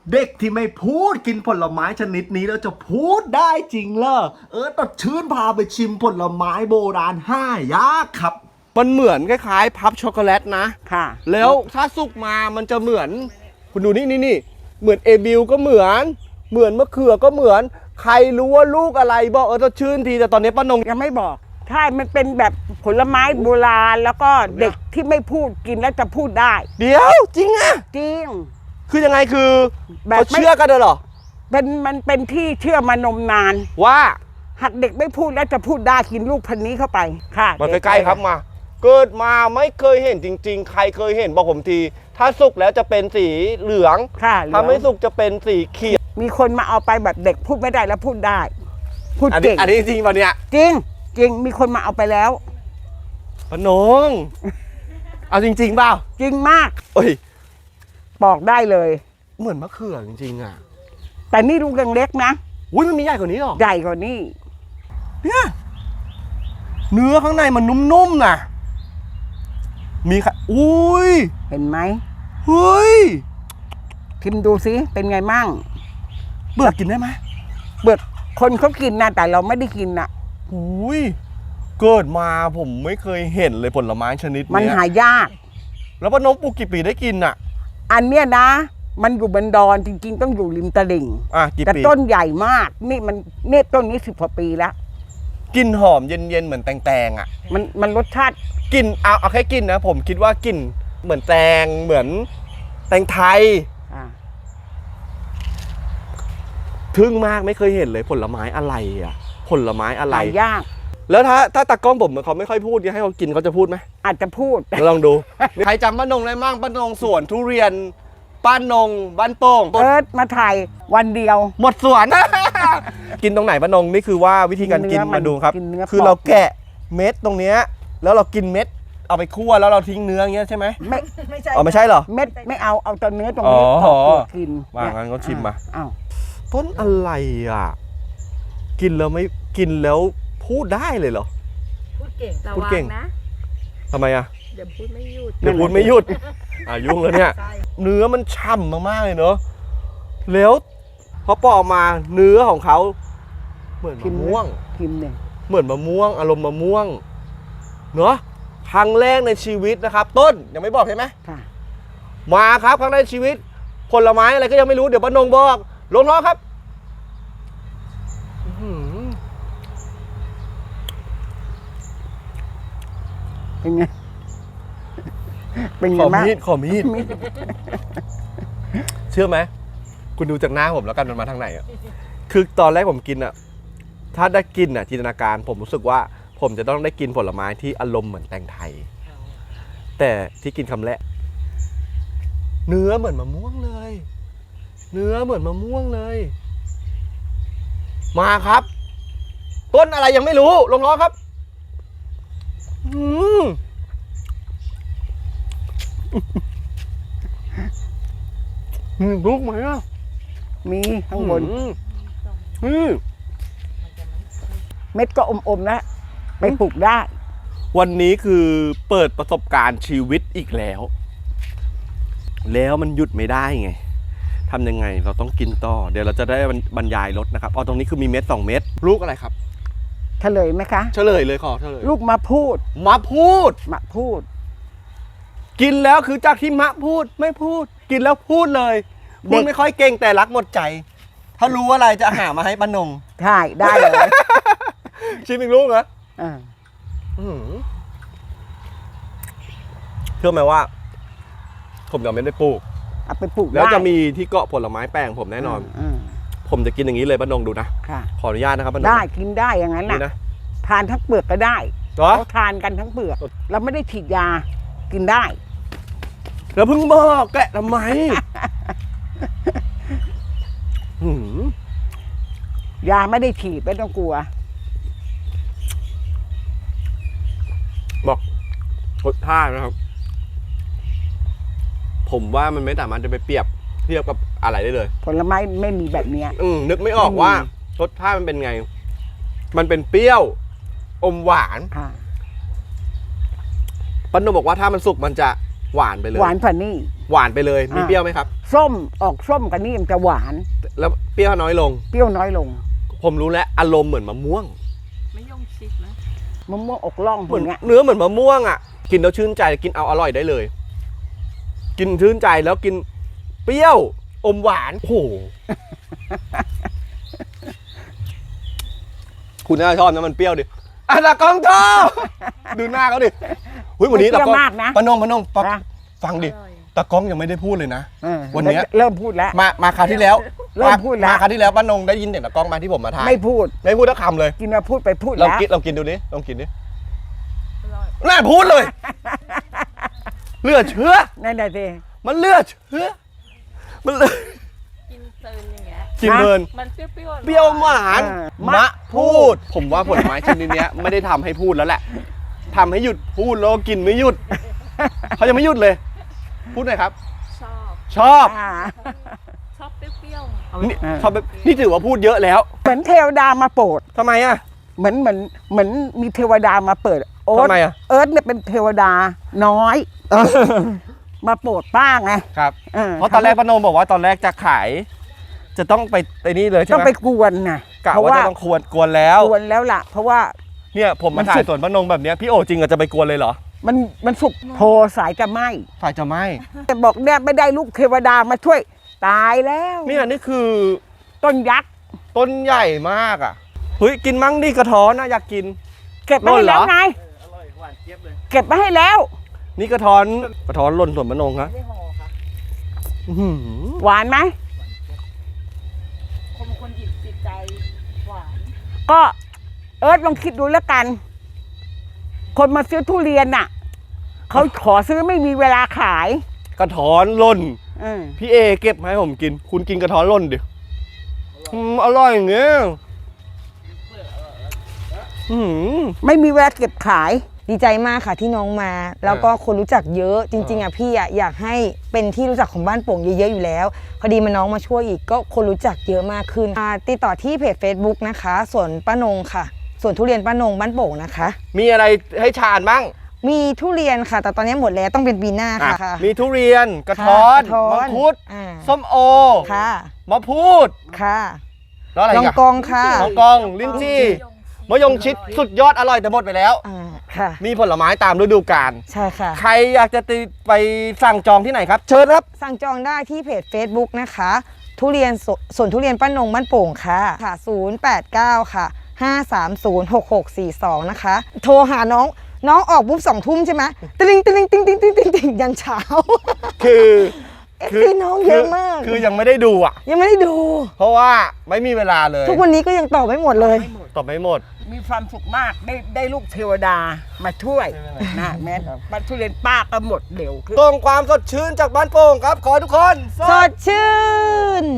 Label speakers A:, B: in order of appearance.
A: เด็กที่ไม่พูดกินผลไม้ชนิดนี้แล้วจะพูดได้จริงเหรอตัดชื่นพาไปชิมผลไม้โบราณ5 ยากครับมันเหมือนคล้ายๆพับช็อกโกแลตนะ
B: ค่ะ
A: แล้วถ้าสุกมามันจะเหมือนคุณดูนี่เหมือนเอบิลก็เหมือนมะเขือก็เหมือนใครรู้ว่าลูกอะไรบอกตัดชื่นทีแต่ตอนนี้ป้านง
B: ยังไม่บอกใช่มันเป็นแบบผลไม้โบราณแล้วก็เด็กที่ไม่พูดกินแล้วจะพูดได้
A: เดี๋ยวจริงอะ
B: จริง
A: คือยังไงคือ
B: แบบ
A: เขาเชื่อกันเหรอ
B: มันเป็นที่เชื่อมานมนาน
A: ว่า
B: หากเด็กไม่พูดแล้วจะพูดได้กินลูกพันนี้เข้าไปค่ะ
A: มาใกล้ๆครับมาเกิดมาไม่เคยเห็นจริงๆใครเคยเห็นบอกผมทีถ้าสุกแล้วจะเป็นสีเหลืองถ้าไม่สุกจะเป็นสีเขียว
B: มีคนมาเอาไปแบบเด็กพูดไม่ได้แล้วพูดได้พูดเก่ง
A: อันนี้จริงป่ะเนี่ย
B: จริงมีคนมาเอาไปแล้ว
A: ปนงเอาจริงๆเปล่า
B: จริงมาก
A: โอ้ย
B: บอกได้เลย
A: เหมือนมะเขือจริงๆอ่ะ
B: แต่นี่ลูกยังเล็กนะ
A: อุ้ยมันมีใหญ่กว่านี้หรอ
B: ใหญ่กว่านี้
A: เนี่ยเนื้อข้างในมันนุ่มๆนะมีค่ะอุ้ย
B: เห็นไหม
A: เฮ้ย
B: ชิมดูสิเป็นไงมั่ง
A: เบือกกินได้ไหม
B: เบือกคนเขากินนะแต่เราไม่ได้กินนะ
A: อุ้ยเกิดมาผมไม่เคยเห็นเลยผลไม้ชนิดนี้
B: มันหายาก
A: แล้วป้านงปลูกกี่ปีได้กินอ่ะ
B: อันเนี้ยนะมันอยู่บนดอนจริงๆต้องอยู่ริมตลิ่งแต่ต้นใหญ่มากนี่ต้นนี้10 กว่าปีแล้ว
A: กลิ่นหอมเย็นๆเหมือนแตงอ่ะ
B: มันรสชาติ
A: กลิ่นเอาแค่กลิ่นนะผมคิดว่ากลิ่นเหมือนแตงเหมือนแตงไทยทึ่งมากไม่เคยเห็นเลยผลไม้อะไรอ่ะผลไม้อะไร
B: ยาก
A: แล้วถ้าตากล้องผมเขาไม่ค่อยพูดให้เขากินเขาจะพูดไหม
B: อาจจะพูด
A: ลองดูใครจำป้านงได้มั่งป้านงสวนทุเรียนป้านงบ้านโป่ง
B: มาถ่ายวันเดียว
A: หมดสวน กินตรงไหนป้านงนี่คือว่าวิธีการกินมาดูครับคือเราแกะเม็ดตรงเนี้ยแล้วเรากินเม็ดเอาไปคั่วแล้วเราทิ้งเนื้ออย่างเงี้ยใช่ไหม
B: ไม่ใช่
A: ไม่ใช่เหรอ
B: เม็ดไม่เอาตัวเนื้อตรงนี้กิน
A: ว่างั้นก็ชิมมาต้นอะไรอ่ะกินแล้วไม่กินแล้วพูดได้เลยเหรอ
C: พูดเก่งพูดเก่งนะ
A: ทำไมอ่ะ
C: เดี๋ยวพูดไม่หยุด
A: ยุ่งแล้วเนี่ยเนื้อมันฉ่ำมากๆเลยเนอะแล้วพอปอกมาเนื้อของเขาเหมือนมะม่วงเหมือนมะม่วงอารมณ์มะม่วงเนอะครั้งแรกในชีวิตนะครับต้นยังไม่บอกใช่ไหมมาครับครั้งแรกในชีวิตผลไม้อะไรก็ยังไม่รู้เดี๋ยวป้านงบอกลงท้องครับ
B: เป็นไง
A: ขอมีดเชื่อไหมคุณดูจากหน้าผมแล้วกันมันมาทางไหนอ่ะคือตอนแรกผมกินอ่ะถ้าได้กินอ่ะจินตนาการผมรู้สึกว่าผมจะต้องได้กินผลไม้ที่อารมณ์เหมือนแตงไทยแต่ที่กินคำแรกเนื้อเหมือนมะม่วงเลยมาครับต้นอะไรยังไม่รู้ลงล้อครับมีลูกไหมอ่ะ
B: มีข้างบนเม็ดก็อมๆนะไปปลูกได้
A: วันนี้คือเปิดประสบการณ์ชีวิตอีกแล้วมันหยุดไม่ได้ไงทำยังไงเราต้องกินต่อเดี๋ยวเราจะได้บรรยายรสนะครับตรงนี้คือมีเม็ด2 เม็ดลูกอะไรครับ
B: เฉลยไหมคะ
A: เฉลยเลยขอเฉลย
B: ลูกมะพูด
A: กินแล้วคือจากที่มะพูดไม่พูดกินแล้วพูดเลยพูดไม่ค่อยเก่งแต่รักหมดใจถ้ารู้อะไรจะหามาให้ป้านง
B: ใช่ได้เลย
A: ชิมอีกลูกนะเชื่อไหมว่าผมยังไม่ได้ปลูก
B: เอาไปปลูก
A: แล้วจะมีที่เกาะผลไม้แปลงผมแน่นอนผมจะกินอย่างนี้เลยป้านงดูนะขออนุญาตนะครับป้านง
B: ได้กินได้อย่างนั้นนะทานทั้งเปลือกก็ได้เขาทานกันทั้งเปลือกเราไม่ได้ฉีดยากินได้
A: แล้วเพิ่งบอกแกะทำไม
B: ยาไม่ได้ฉีดไม่ต้องกลัว
A: บอกรสชาตินะครับผมว่ามันไม่สามารถจะไปเปรียบเทียบกับอะไรได้เลย
B: ผลไม้ไม่มีแบบนี้
A: นึกไม่ออกว่ารสชาติมันเป็นไงมันเป็นเปรี้ยวอมหวานป้านงบอกว่าถ้ามันสุกมันจะหวานไปเลย
B: หวานผ่านี่
A: หวานไปเลยมีเปรี้ยวไหมครับ
B: ส้มออกส้มกันนี่มันจะหวาน
A: แล้วเปรี้ยวน้อยลง
B: เปรี้ยวน้อยลง
A: ผมรู้แล้วอารมณ์เหมือนมะม่วง
C: ไม่ยงชิดนะ
B: มะม่วงอกล่อง
A: เหมือน
B: อย่างเงี้ย
A: เนื้อเหมือนมะม่วงอ่ะกินแล้วชื่นใจกินเอาอร่อยได้เลย กินชื่นใจแล้วกินเปรี้ยวอมหวานโอ้โห คุณน่าชอบนะมันเปรี้ยวดิอ่ะตากล้องชอบดูหน้าเขาดิหุ้ยวันนี้
B: เปรี้
A: ตา
B: ยว
A: กล้อง
B: มากนะ
A: ปานง
B: นะ
A: ฟังดิ
C: อร่อย
A: ตากล้องยังไม่ได้พูดเลยนะ วันเนี้ย
B: เริ่มพูดแล้ว
A: มาคราวที่แล้ว
B: เริ่มพูดแล้ว
A: มาคราวที่แล้วป้านงได้ยินเสียงตากล้องมาที่ผมมาถ่าย
B: ไม่พูด
A: ไม่พูดทักคำเลย
B: กินมาพูดไปพูด
A: ลอง
B: แล้ว
A: กินลองกินดูดิลองกินดิ
C: อร่อย
A: น่าพูดเลยเลือดเชื้อ
B: นั่นแหละสิ
A: มันเลือดเชื้อมันเลือด
C: กินเพลินอย่างเงี้ย
A: กินเพลิน
C: มันเปรี้ยวๆ
A: เปรี้ยวหวาน
B: เออ
A: มะพูด ผมว่าผลไม้ชนิดเนี้ยไม่ได้ทำให้พูดแล้วแหละทำให้หยุดพูดแล้วกินไม่หยุดเขายังไม่หยุดเลย พูดหน่อยครับ
C: ชอบ
A: ชอบ
B: อ่า
C: ชอบเปรี้ยว
A: นี่ชอบแบบนี่ถือว่าพูดเยอะแล้ว
B: เหมือนเทวดามาโปรด
A: ทำไมอ่ะ
B: เหมือนมีเทวดามาเปิดโอ๊ต
A: ทำไมอ่ะ
B: เอิร์ธเนี่ยเป็นเทวดาน้อย มาโปรดป้าไง
A: ครับ เพราะตอนแรกป้านงบอกว่าตอนแรกจะขาย จะต้องไปไอ้นี่เลยใช่
B: ต้อง
A: ไหม
B: ไปกวนนะ
A: กะ
B: เพราะ
A: ว่า
B: ว่า
A: จะต้องกวนแล้ว
B: กวนแล้วล่ะ เพราะว่า
A: เนี่ยผม
B: มั
A: มาน ถ่า
B: สุ
A: ย
B: ก
A: สวนป้านงแบบเนี้ยพี่โอจริงอะจะไปกวนเลยเหรอ
B: มันสุกโทสายจะไหม
A: ฝ่ายจะไม่
B: แต่บอกเนี่ยไม่ได้ลูกเทวดามาช่วยตายแล้ว
A: เนี่ยนี่คือ
B: ต้นยักษ์
A: ต้นใหญ่มากอ่ะเฮ้ยกินมั้งดิกระท้อนนะอยากกิน
B: เก็บมาให้แล้วไงเก็บมาให้แล้ว
A: นี่กระท้อนหล่นสวนป้านงครับ
C: ๆไม่ห่อค่ะ
A: อื้อหือ
B: หวานไหม
C: คนหยิบติดใจหวาน
B: ก็เอิร์ธลองคิดดูแล้วกัน คนมาซื้อทุเรียนน่ะเขาขอซื้อไม่มีเวลาขาย
A: กระท้อนหล่น
B: เออ
A: พี่เอเก็บมาให้ผมกิน คุณกินกระท้อนหล่นดิอร่อยอย่างเงี้ยอื้อหือ
B: ไม่มีเวลาเก็บขาย
D: ดีใจมากค่ะที่น้องมา แล้วก็คนรู้จักเยอะจริงๆอ่ะพี่อ่ะอยากให้เป็นที่รู้จักของบ้านโป่งเยอะๆอยู่แล้วพอดีมาน้องมาช่วยอีกก็คนรู้จักเยอะมากขึ้นติดต่อที่เพจ Facebook นะคะสวนป้านงค่ะสวนทุเรียนป้านงบ้านโป่งนะคะ
A: มีอะไรให้ชาญบ้าง
D: มีทุเรียนค่ะแต่ตอนนี้หมดแล้วต้องเป็นปีหน้าค่ะ
A: มีทุเรียนกระท้อน
D: กระท้อน
A: มังคุด
D: อ่า
A: ส้มโอ
D: ค่ะ
A: มะพูด
D: ค่ะ
A: แล้วอะไร
D: ล
A: อี
D: อง
A: กอะ
D: กองค่ะ
A: ลองกองลิ้นจี่มะยงชิดสุดยอดอร่อยแต่หมดไปแล้ว
D: อ่าค่ะ
A: มีผลไม้ตามฤดูกาล
D: ใช่ค่ะ
A: ใครอยากจะไปสั่งจองที่ไหนครับ เชิญครับ
D: สั่งจองได้ที่เพจ Facebook นะคะทุเรียนสวนทุเรียนป้านงบ้านโป่งค่ะ089ค่ะ5306642นะคะโทรหาน้องออกปุ๊บ2 ทุ่มใช่ไหมติ๊งยันเช้า
A: คือ
D: พี่น้องเยอะมาก
A: คือยังไม่ได้ดูอ่ะ
D: ยังไม่ได้ดู
A: เพราะว่าไม่มีเวลาเลย
D: ทุกวันนี้ก็ยังตอบไม่หมดเลย
A: ตอบไม่หมด
B: มีความสุขมากได้ลูกเทวดามาช่วยนะแม่บัตรทุเรียนป้าก็หมดเร็ว
A: ตรงความสดชื่นจากบ้านโป่งครับ ขอให้ทุกคน
D: สดชื่น